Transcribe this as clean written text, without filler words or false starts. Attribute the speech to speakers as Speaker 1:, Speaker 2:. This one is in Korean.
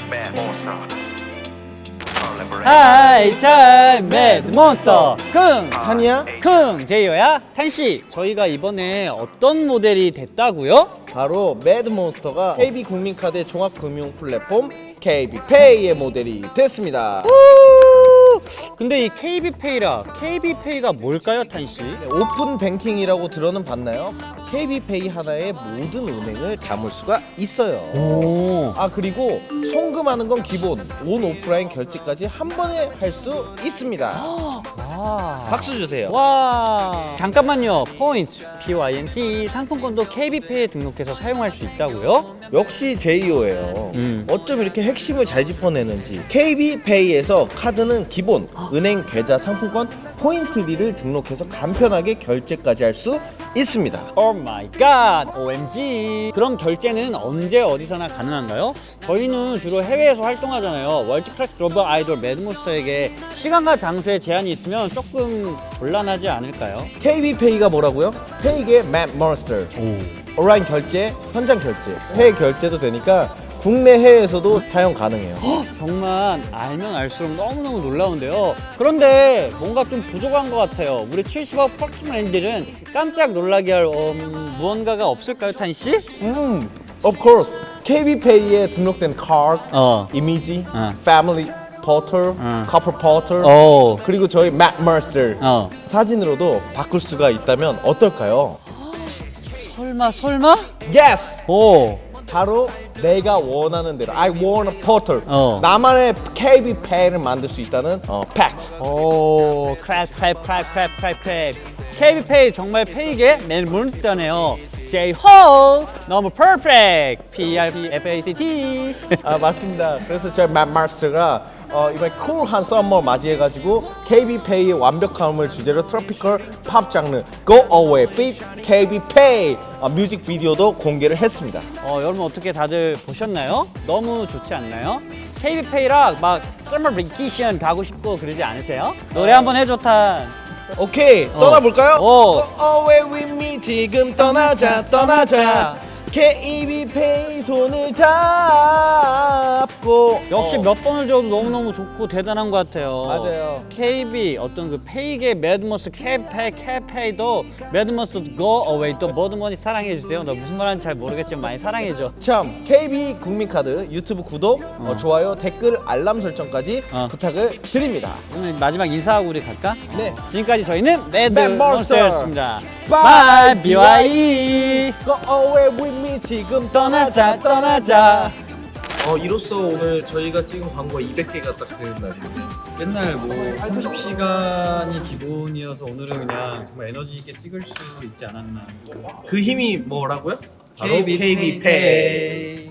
Speaker 1: 하이 참 매드 몬스터 킁
Speaker 2: 한이야?
Speaker 1: 킁 제이어야 탄씨 저희가 이번에 어떤 모델이 됐다고요?
Speaker 2: 바로 매드몬스터가 KB 국민카드 종합금융 플랫폼 KB페이의 모델이 됐습니다.
Speaker 1: 근데 이 KB페이라 KB페이가 뭘까요 탄씨?
Speaker 2: 오픈 뱅킹이라고 들어는 봤나요? KB페이 하나에 모든 은행을 담을 수가 있어요.
Speaker 1: 오.
Speaker 2: 아 그리고 송금하는 건 기본 온 오프라인 결제까지 한 번에 할 수 있습니다.
Speaker 1: 와.
Speaker 2: 박수 주세요.
Speaker 1: 와 잠깐만요 포인트 PYNT 상품권도 KB페이에 등록해서 사용할 수 있다고요?
Speaker 2: 역시 제이오예요. 어쩜 이렇게 핵심을 잘 짚어내는지. KB페이에서 카드는 기본, 은행 계좌 상품권 포인트리를 등록해서 간편하게 결제까지 할 수 있습니다.
Speaker 1: 오 마이 갓 OMG 그럼 결제는 언제 어디서나 가능한가요? 저희는 주로 해외에서 활동하잖아요. 월드클래스 글로벌 아이돌 매드몬스터에게 시간과 장소에 제한이 있으면 조금 곤란하지 않을까요?
Speaker 2: KB페이가 뭐라고요? 페이의 매드몬스터. 온라인 결제, 현장 결제, 해외 결제도 되니까 국내 해외에서도 사용 가능해요.
Speaker 1: 정말 알면 알수록 너무너무 놀라운데요. 그런데 뭔가 좀 부족한 것 같아요. 우리 70억 퍼킹맨들은 깜짝 놀라게 할 무언가가 없을까요, 탄씨?
Speaker 2: Of course. KB페이에 등록된 카드, 이미지, 패밀리 포털, 커플 포털, 그리고 저희 매드몬스터 사진으로도 바꿀 수가 있다면 어떨까요?
Speaker 1: 설마?
Speaker 2: Yes!
Speaker 1: 오.
Speaker 2: 바로 내가 원하는 대로 I want a portal
Speaker 1: 나만의
Speaker 2: 나만의 KB페이를 만들 수 있다는 팩트.
Speaker 1: 오, 크랩. KB페이 정말 페이게 매드몬스터네요. J-Ho 너무 퍼펙트. PRPFACT.
Speaker 2: 아 맞습니다. 그래서 저희 매드몬스터가 이번에 쿨한 썸머 맞이해가지고 KB페이의 완벽함을 주제로 트로피컬 팝 장르 Go Away Fit KB페이 뮤직비디오도 공개를 했습니다.
Speaker 1: 여러분 어떻게 다들 보셨나요? 너무 좋지 않나요? KB페이랑 막 서머 베이케이션 가고 싶고 그러지 않으세요? 노래 한번 해줘 탄.
Speaker 2: 오케이 떠나볼까요?
Speaker 1: 오.
Speaker 2: Go Away with me 지금 떠나자 KB페이 손을 잡고
Speaker 1: 역시 몇 번을 줘도 너무너무 좋고 대단한 것 같아요.
Speaker 2: 맞아요.
Speaker 1: KB 어떤 그 페이게 매드몬스터 KB페이도 매드몬스터 Go Away 또 뭐든뭐니 사랑해주세요. 나 무슨 말하는지 잘 모르겠지만 많이 사랑해줘.
Speaker 2: 참 KB 국민카드 유튜브 구독, 좋아요, 댓글, 알람 설정까지 부탁을 드립니다.
Speaker 1: 오늘 마지막 인사하고 우리 갈까?
Speaker 2: 네.
Speaker 1: 지금까지 저희는
Speaker 2: 매드몬스터.
Speaker 1: 매드몬스터였습니다.
Speaker 2: Bye,
Speaker 1: 바이 BYE
Speaker 2: Go away with me 지금
Speaker 1: 떠나자.
Speaker 2: 이로써 오늘 저희가 찍은 광고가 200개가 딱 되는 날이에요.
Speaker 1: 맨날 뭐 30시간이 기본이어서 오늘은 그냥 정말 에너지 있게 찍을 수 있지 않았나.
Speaker 2: 그 힘이 뭐라고요?
Speaker 1: KB페이.